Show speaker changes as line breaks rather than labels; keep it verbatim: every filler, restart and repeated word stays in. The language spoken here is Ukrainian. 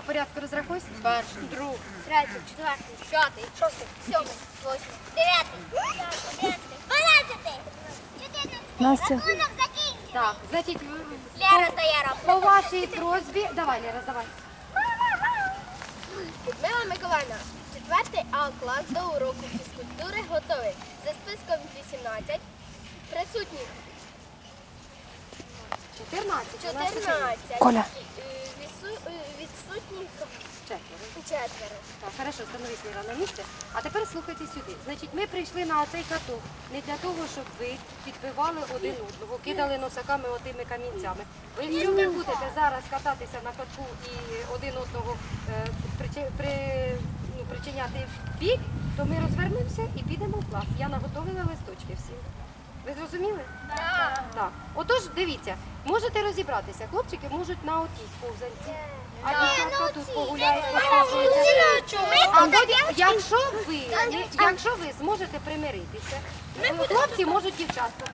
порядку розрахуйся.
Перший.
Другий.
Третій, четвертий, п'ятий, шостий, сьомий, восьмий, дев'ятий, одинадцятий, дванадцятий, чотирнадцятий.
Настя.
Рахунок закінчив.
Так, значить,
Лера здає
по
рахунок.
вашій просьбі. Давай, Лера, давай.
Людмила Миколаївна, четвертий А клас до уроку фізкультури готовий. За списком вісімнадцять. Присутніх
чотирнадцять.
чотирнадцять.
Коля.
Е, вісу- е, Відсутніх
Четверо.
четверо.
Так, хорошо, становись, Лера, на місце. А тепер слухайте сюди. Значить, ми прийшли на цей каток не для того, щоб ви підбивали один одного, кидали носаками отими камінцями. Ви, якщо ви будете зараз кататися на катку і один одного е, причи- при, ну, причиняти в бік, то ми розвернемося і підемо в клас. Я наготовила листочки всім. Ви зрозуміли?
Так.
Так. Отож, дивіться, можете розібратися. Хлопчики можуть на отій сповзанці. А дівчатка тут погуляють, поспілкуються. А потім, якщо ви, якщо ви зможете примиритися, хлопці можуть дівчатку.